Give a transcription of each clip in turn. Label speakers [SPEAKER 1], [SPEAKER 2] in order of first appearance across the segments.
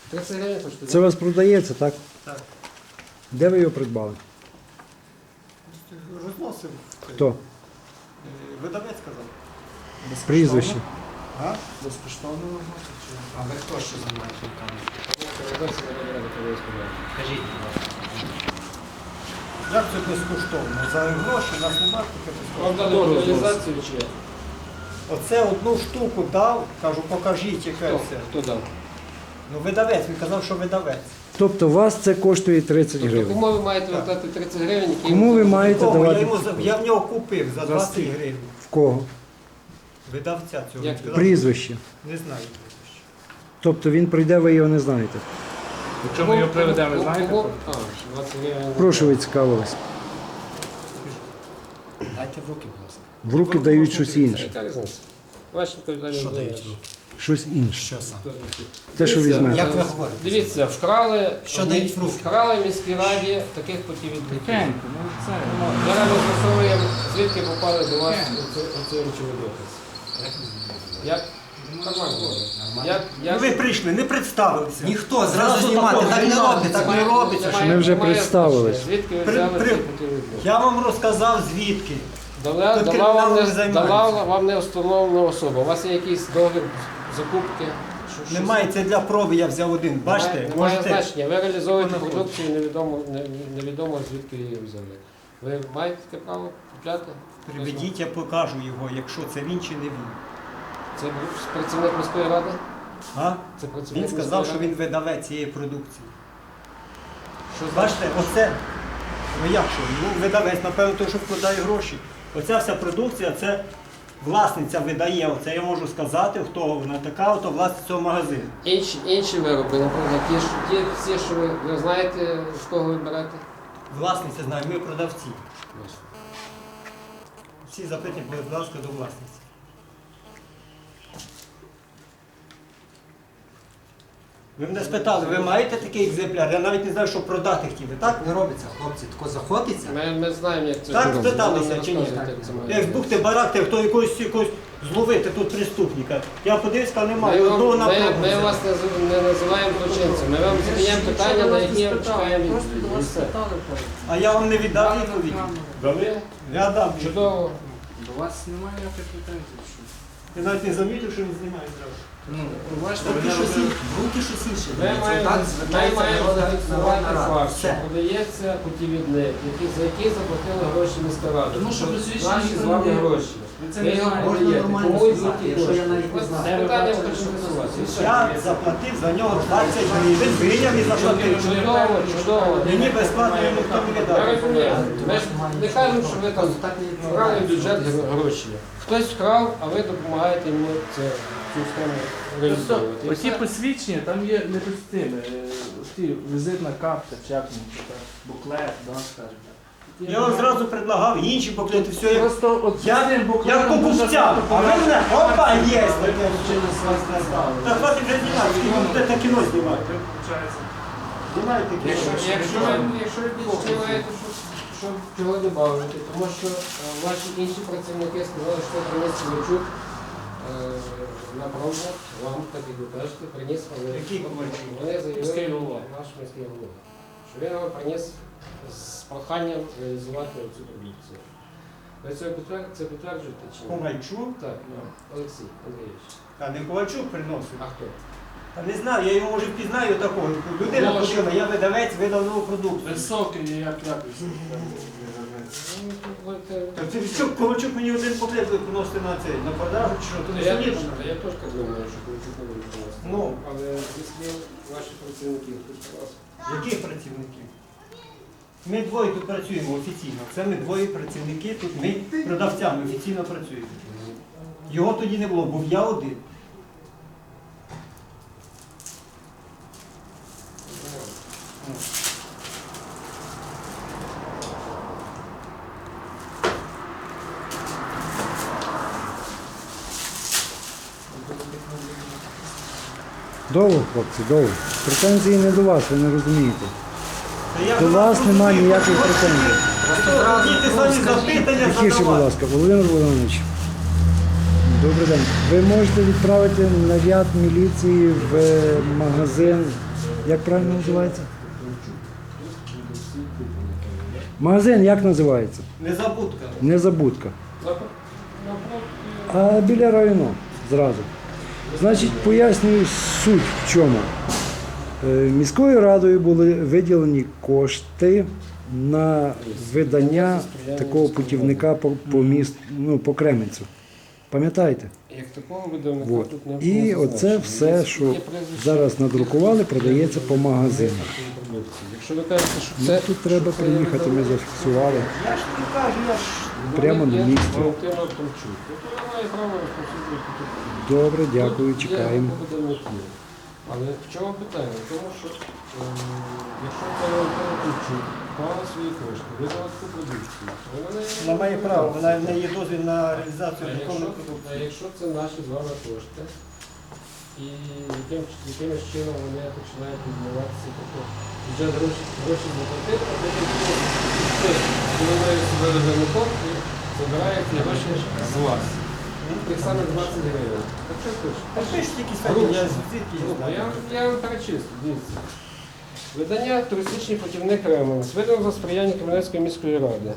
[SPEAKER 1] 30 гривень коштує.
[SPEAKER 2] Це у вас продається, так?
[SPEAKER 3] Так.
[SPEAKER 2] Де ви його придбали?
[SPEAKER 3] Розносив.
[SPEAKER 2] Хто?
[SPEAKER 3] Видавець сказав.
[SPEAKER 2] Прізвище.
[SPEAKER 3] А?
[SPEAKER 4] Безкоштовно можна? А ви хто що займаєте руками? Кажіть, будь ласка.
[SPEAKER 3] Як це безкоштовно? За гроші у нас немає таке
[SPEAKER 1] Вам
[SPEAKER 3] безкоштовно.
[SPEAKER 1] дали реалізацію чи як?
[SPEAKER 3] Оце одну штуку дав, кажу, покажіть, яке це.
[SPEAKER 1] Хто дав?
[SPEAKER 3] Ну видавець, він казав, що видавець.
[SPEAKER 2] Тобто у вас це коштує 30
[SPEAKER 1] Тобто
[SPEAKER 2] гривень.
[SPEAKER 1] кому ви маєте вертати 30 гривень, які...
[SPEAKER 2] Кому ви маєте
[SPEAKER 3] Кого?
[SPEAKER 2] давати?
[SPEAKER 3] Я в нього купив за 20 гривень.
[SPEAKER 2] В кого?
[SPEAKER 3] Видавця цього.
[SPEAKER 1] Як
[SPEAKER 3] Він сказав,
[SPEAKER 2] Прізвище.
[SPEAKER 3] Не знаю прізвище.
[SPEAKER 2] Тобто він прийде, ви його не знаєте.
[SPEAKER 4] Якщо ми його приведемо, ви знаєте?
[SPEAKER 1] Кому? А, 20 гривень.
[SPEAKER 2] Прошу, ви цікавились.
[SPEAKER 4] Дайте в руки, будь ласка.
[SPEAKER 2] В руки дають щось інше.
[SPEAKER 1] Яка різниця? Ваші відповідальні
[SPEAKER 4] Що
[SPEAKER 1] знають.
[SPEAKER 4] дають в руки?
[SPEAKER 2] Щось інше.
[SPEAKER 4] Що саме?
[SPEAKER 2] Те, що
[SPEAKER 1] Дивіться,
[SPEAKER 2] візьмете.
[SPEAKER 4] Як ви говорите?
[SPEAKER 1] Дивіться, вкрали,
[SPEAKER 4] Що дають в руки?
[SPEAKER 1] вкрали в міській раді таких путівідників.
[SPEAKER 4] Тихенько, ну це.
[SPEAKER 1] Зараз ми з'ясовуємо, звідки попали до вас оці речові докази. Як? Нормально.
[SPEAKER 3] Ну ви прийшли, не представилися.
[SPEAKER 4] Ніхто зразу знімати, так не робить, так не робиться.
[SPEAKER 2] що ми вже представились.
[SPEAKER 1] Звідки ви
[SPEAKER 3] При-
[SPEAKER 1] взяли
[SPEAKER 3] при-
[SPEAKER 1] ці путівідники?
[SPEAKER 3] Я вам розказав звідки.
[SPEAKER 1] Дала
[SPEAKER 3] Тут
[SPEAKER 1] вам
[SPEAKER 3] криміналом
[SPEAKER 1] не,
[SPEAKER 3] не займаються.
[SPEAKER 1] дала вам не встановлена особа. У вас є якийсь договір закупки?
[SPEAKER 3] Немає, це для проби я взяв один. Бачите,
[SPEAKER 1] Немає
[SPEAKER 3] можете.
[SPEAKER 1] значення. Ви реалізовуєте
[SPEAKER 3] Вона
[SPEAKER 1] продукцію, невідомо звідки її взяли. Ви маєте таке право купляти?
[SPEAKER 3] Приведіть, я покажу його, якщо це він чи не він.
[SPEAKER 1] Це працівник міської ради?
[SPEAKER 3] А?
[SPEAKER 1] Це працівник
[SPEAKER 3] Він сказав,
[SPEAKER 1] міської
[SPEAKER 3] що
[SPEAKER 1] ради?
[SPEAKER 3] він видавець цієї продукції.
[SPEAKER 1] Що
[SPEAKER 3] Бачите, оце. Ну як що? Ну, видавець, напевно, той, що вкладає гроші. Оця вся продукція, це власниця видає. Оце я можу сказати, хто вона така, ото власниця цього магазину.
[SPEAKER 1] Інші вироби, наприклад, ті всі, що ви знаєте, з кого ви берете?
[SPEAKER 3] Власниця знає, ми продавці. Всі запитання, будь ласка, до власниці. Ви мене спитали, ви маєте такий екземпляр? Я навіть не знаю, що продати хотіли, так?
[SPEAKER 4] Не робиться, хлопці, тако заходиться.
[SPEAKER 1] Ми знаємо, як це
[SPEAKER 3] Так
[SPEAKER 1] робиться.
[SPEAKER 3] спиталися
[SPEAKER 1] Ви
[SPEAKER 3] чи ні?
[SPEAKER 1] розказуєте, як це має
[SPEAKER 3] Як
[SPEAKER 1] бути.
[SPEAKER 3] збухти барак, хто якогось зловити тут преступника. Я подивився, немає.
[SPEAKER 1] Ми,
[SPEAKER 3] Одного
[SPEAKER 1] вам,
[SPEAKER 3] напрямку.
[SPEAKER 1] ми вас не називаємо злочинцем. Ми вам задаємо питання, на які чекаємо відповіді. І все.
[SPEAKER 3] А я вам не віддав відповіді.
[SPEAKER 1] Дали?
[SPEAKER 3] Я дам.
[SPEAKER 1] Чудово.
[SPEAKER 4] До вас немає ніяких претензій.
[SPEAKER 3] Я навіть не замітив, що він знімає зразу.
[SPEAKER 4] Ну, бачите,
[SPEAKER 3] Руки щось інше.
[SPEAKER 4] руки щось інше.
[SPEAKER 1] Ми маємо зафіксувати факт, що
[SPEAKER 4] Все.
[SPEAKER 1] подається путівідник, за який заплатили гроші міська рада.
[SPEAKER 4] Тому що без рішення
[SPEAKER 1] наші
[SPEAKER 4] ніхто
[SPEAKER 1] з вами
[SPEAKER 4] не є.
[SPEAKER 1] гроші.
[SPEAKER 4] Ви це
[SPEAKER 1] Ви
[SPEAKER 4] не
[SPEAKER 1] його
[SPEAKER 4] знаєте.
[SPEAKER 1] подаєте.
[SPEAKER 4] Можна нормально
[SPEAKER 1] Кому йдуть
[SPEAKER 4] сказати,
[SPEAKER 1] ті
[SPEAKER 4] якщо
[SPEAKER 1] гроші?
[SPEAKER 4] я навіть не знаю.
[SPEAKER 1] Це питання хочу стосувати. І все.
[SPEAKER 3] Я заплатив за нього 20 гривень, виняв і заплатив.
[SPEAKER 1] Чудово, чудово.
[SPEAKER 3] Мені безплатно ніхто не
[SPEAKER 1] Я
[SPEAKER 3] віддав.
[SPEAKER 1] розумію. Ми ж не кажемо, що ви там вкрали в бюджет гроші. Хтось вкрав, а ви допомагаєте йому цю схему реалізовувати. І
[SPEAKER 5] Оці
[SPEAKER 1] все.
[SPEAKER 5] посвідчення, там є не постійно, ті візитна карта, чи як воно, буклет, да, скажімо так.
[SPEAKER 3] Я вам зразу предлагав інші буклети, все як
[SPEAKER 5] Просто от
[SPEAKER 3] я,
[SPEAKER 5] з цим
[SPEAKER 3] як
[SPEAKER 5] буклетом дуже
[SPEAKER 3] покупцям. А ви мене, опа, є таке.
[SPEAKER 5] через вас не стало.
[SPEAKER 3] Та хватить вже знімати, скільки ви будете кіно знімати. Знімайте кіно.
[SPEAKER 1] Якщо ви відчуваєте, що чого додати, тому що ваші інші працівники сказали, що приніс Ковальчук на пробу, вам, так як ви кажете, приніс,
[SPEAKER 3] Який Ковальчук?
[SPEAKER 1] вони
[SPEAKER 5] Міський
[SPEAKER 1] заявили,
[SPEAKER 5] голова.
[SPEAKER 1] наш міський голова, що він вам приніс з проханням реалізувати цю продукцію. Ви це підтверджуєте чи ні?
[SPEAKER 3] Ковальчук?
[SPEAKER 1] Так, Олексій Андрійович.
[SPEAKER 3] Та не Ковальчук приносив.
[SPEAKER 1] А хто?
[SPEAKER 3] Та не знаю, я його може впізнаю такого. Людина
[SPEAKER 5] Ну,
[SPEAKER 3] ходила, я видавець, видав нову продукцію.
[SPEAKER 5] Високий, як якось.
[SPEAKER 1] Ну,
[SPEAKER 3] Та це що, Ковальчук мені один поклеп буде приносити на цей, на продажу чи що, то не
[SPEAKER 1] Я
[SPEAKER 3] солідно.
[SPEAKER 1] теж так думаю, що Ковальчук не буде приносити.
[SPEAKER 3] Ну.
[SPEAKER 1] Але якщо ваші працівники тут раз.
[SPEAKER 3] Яких працівників? Ми двоє тут працюємо офіційно. Це ми двоє працівники, тут ми продавцями офіційно працюємо. Його тоді не було, був я один.
[SPEAKER 2] Довго, хлопці, довго. Претензії не до вас, ви не розумієте.
[SPEAKER 3] Та я
[SPEAKER 2] До вас
[SPEAKER 3] розумію,
[SPEAKER 2] немає
[SPEAKER 3] хочу
[SPEAKER 2] ніяких претензій.
[SPEAKER 3] Діти самі запитання
[SPEAKER 2] Тихіше, будь
[SPEAKER 3] задавати.
[SPEAKER 2] ласка, Володимир Володимирович. Добрий день. Ви можете відправити наряд міліції в магазин Як правильно називається? Магазин як називається?
[SPEAKER 3] Незабудка.
[SPEAKER 2] Незабудка.
[SPEAKER 1] Напроти
[SPEAKER 2] А біля району зразу. Значить, пояснюю суть в чому. Міською радою були виділені кошти на видання такого путівника по місту, ну, по Кременцю. Пам'ятаєте?
[SPEAKER 1] Як такого видавника
[SPEAKER 2] Вот.
[SPEAKER 1] тут не
[SPEAKER 2] І оце все, що зараз надрукували, продається по магазинах.
[SPEAKER 1] Якщо ви кажете, що
[SPEAKER 2] Ну,
[SPEAKER 1] це
[SPEAKER 2] тут треба
[SPEAKER 1] що це
[SPEAKER 2] приїхати, ми зафіксували.
[SPEAKER 3] Я ж не кажу, я ж
[SPEAKER 2] Прямо на місці.
[SPEAKER 1] Валентина Томчук. Вона має право розповсюджувати тут.
[SPEAKER 2] Добре, дякую,
[SPEAKER 1] Тут є
[SPEAKER 2] чекаємо.
[SPEAKER 1] група видавників. Але в чому питання? В тому, що якщо це Валентина Томчук мала свої кошти, видала таку продукцію, то вона не
[SPEAKER 3] вона має право, вона в неї є дозвіл на реалізацію
[SPEAKER 1] А
[SPEAKER 3] законної
[SPEAKER 1] якщо,
[SPEAKER 3] продукції.
[SPEAKER 1] а якщо це наші з вами кошти, і якимось чином вони починають відмиватися, тобто вже гроші заплатити, а потім виною себе режимником і забирають ті гроші з вас. Тих самих 20 гривень. Так що хочеш?
[SPEAKER 3] А ти ж тільки сьогодні, я звідки її знаю.
[SPEAKER 1] Я вам перечислю, дивіться. Видання «Туристичний путівник Кременець» видано за сприяння Кременецької міської ради.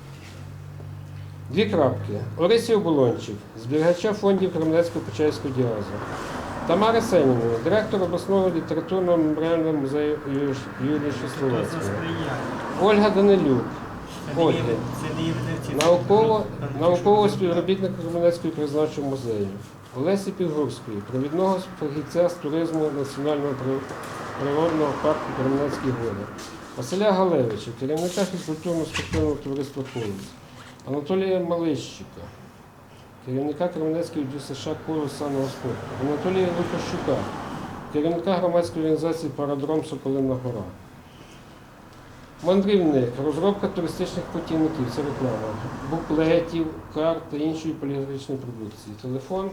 [SPEAKER 1] Дві крапки. Орисій Оболончик, зберігача фондів Кременецького Почаївського діазу. Тамара Сеніна, директор обласного літературного меморіального музею Юрія
[SPEAKER 3] Хто це
[SPEAKER 1] Щасловецького.
[SPEAKER 3] сприяє?
[SPEAKER 1] Ольга Данилюк,
[SPEAKER 3] Це не є-
[SPEAKER 1] Ольга,
[SPEAKER 3] це не є видавці.
[SPEAKER 1] наукового співробітника Кременецького краєзнавчого музею. Олесі Підгурської, провідного фахівця з туризму Національного природного парку Кременецькі гори. Василя Галевича, керівника фізкультурно-спортивного товариства «Колос». Анатолія Малищика, керівника Кременецької ДЮСШ «Коло санного спорту». Анатолія Лукащука, керівника громадської організації «Парадром Соколина Гора». Мандрівник, розробка туристичних путівників, це реклама, буклетів, карт та іншої поліграфічної продукції. Телефон,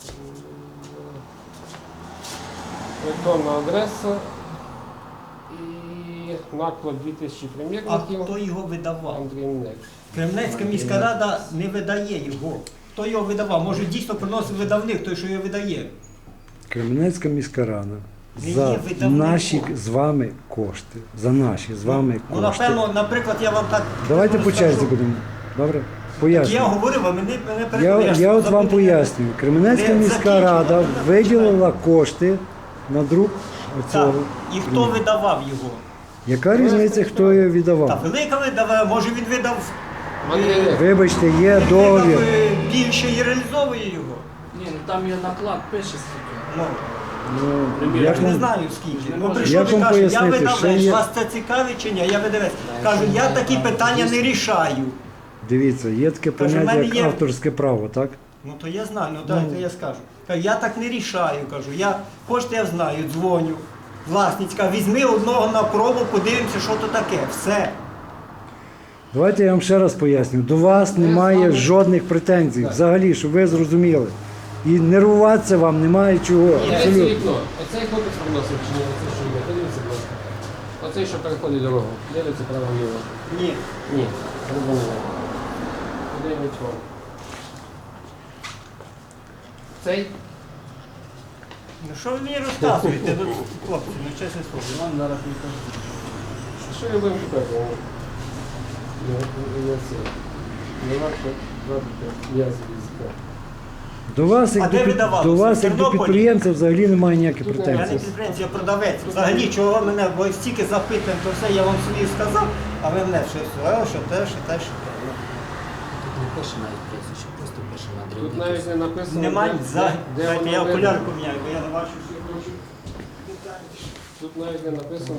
[SPEAKER 1] електронна адреса і наклад 2000
[SPEAKER 3] А
[SPEAKER 1] примірників.
[SPEAKER 3] хто його видавав?
[SPEAKER 1] Мандрівник.
[SPEAKER 3] Кремлецька міська рада не видає його. Хто його видавав? Може дійсно приносив видавник, той, що його видає.
[SPEAKER 2] Кременецька міська рада
[SPEAKER 3] Не
[SPEAKER 2] за
[SPEAKER 3] є видавником.
[SPEAKER 2] наші з вами кошти. За наші з вами
[SPEAKER 3] Ну,
[SPEAKER 2] кошти.
[SPEAKER 3] напевно, наприклад, я вам так
[SPEAKER 2] Давайте по черзі
[SPEAKER 3] скажу.
[SPEAKER 2] будемо. Добре?
[SPEAKER 3] Я
[SPEAKER 2] Пояснюю.
[SPEAKER 3] говорив, а мене
[SPEAKER 2] Я
[SPEAKER 3] переконуєш.
[SPEAKER 2] от вам пояснюю. Кременецька
[SPEAKER 3] Не
[SPEAKER 2] міська
[SPEAKER 3] закінчено.
[SPEAKER 2] рада виділила кошти на друк
[SPEAKER 3] Так.
[SPEAKER 2] цього.
[SPEAKER 3] І хто видавав його?
[SPEAKER 2] Яка різниця, хто її
[SPEAKER 3] Та
[SPEAKER 2] віддавав?
[SPEAKER 3] велика видавав, може він видав
[SPEAKER 1] Мандрівник.
[SPEAKER 2] Вибачте, є
[SPEAKER 3] він
[SPEAKER 2] договір.
[SPEAKER 3] видав, більше і реалізовує його.
[SPEAKER 5] Ні, ну там є наклад, пише скільки.
[SPEAKER 3] Ну,
[SPEAKER 2] Ну,
[SPEAKER 3] я
[SPEAKER 2] як
[SPEAKER 3] ж не
[SPEAKER 2] вам-
[SPEAKER 3] знаю скільки. Ну,
[SPEAKER 5] Як
[SPEAKER 3] прийшов
[SPEAKER 2] вам
[SPEAKER 3] і каже, я
[SPEAKER 2] пояснити, що
[SPEAKER 3] видавець,
[SPEAKER 2] є-
[SPEAKER 3] вас це цікавить чи ні? Я видавець. Кажу, я такі питання не рішаю.
[SPEAKER 2] Дивіться, є таке
[SPEAKER 3] Каже, в
[SPEAKER 2] поняття,
[SPEAKER 3] мене
[SPEAKER 2] як
[SPEAKER 3] є-
[SPEAKER 2] авторське право, так?
[SPEAKER 3] Ну то я знаю, ну дайте я скажу. Кажу, я так не рішаю, кажу. Я кошти я знаю, дзвоню. Власницька, візьми одного на пробу, подивимося, що то таке. Все.
[SPEAKER 2] Давайте я вам ще раз поясню. До вас немає жодних претензій, взагалі, щоб ви зрозуміли. І нервуватися вам немає чого.
[SPEAKER 1] Дивіться
[SPEAKER 2] Абсолютно.
[SPEAKER 1] вікно. Оцей хлопець приносив чи ні? Оце що є? Подивіться, будь ласка. Оцей, що переходить дорогу. Дивіться право-ліво.
[SPEAKER 3] Ні.
[SPEAKER 1] Ні, не було. Подивіть вам. Цей?
[SPEAKER 3] Ну що ви мені розказуєте, ну, хлопці, ну чесне слово.
[SPEAKER 5] Вам зараз не кажу.
[SPEAKER 1] Що я будемо шукати? Не це. Не варто брати м'язи язика.
[SPEAKER 2] До вас,
[SPEAKER 3] А
[SPEAKER 2] як
[SPEAKER 3] де
[SPEAKER 2] до,
[SPEAKER 3] видавалося?
[SPEAKER 2] до вас,
[SPEAKER 3] В
[SPEAKER 2] як до
[SPEAKER 3] Тернополі?
[SPEAKER 2] підприємця, взагалі немає ніяких
[SPEAKER 1] Тут
[SPEAKER 3] Я
[SPEAKER 2] претензій.
[SPEAKER 3] не підприємець, я продавець. Взагалі, чого мене, бо стільки запитань, то все я вам собі сказав, а ви мене що все, що те, що те, що те. Ну,
[SPEAKER 4] Тут не пише навіть прізвище, просто пише
[SPEAKER 1] Тут
[SPEAKER 4] мандрівник.
[SPEAKER 1] навіть не написано.
[SPEAKER 3] Немає
[SPEAKER 1] де-
[SPEAKER 3] за.
[SPEAKER 1] де
[SPEAKER 3] Дайте
[SPEAKER 1] воно
[SPEAKER 3] я
[SPEAKER 1] видно.
[SPEAKER 3] окулярку міняю, бо я не бачу.
[SPEAKER 1] Тут навіть не написано.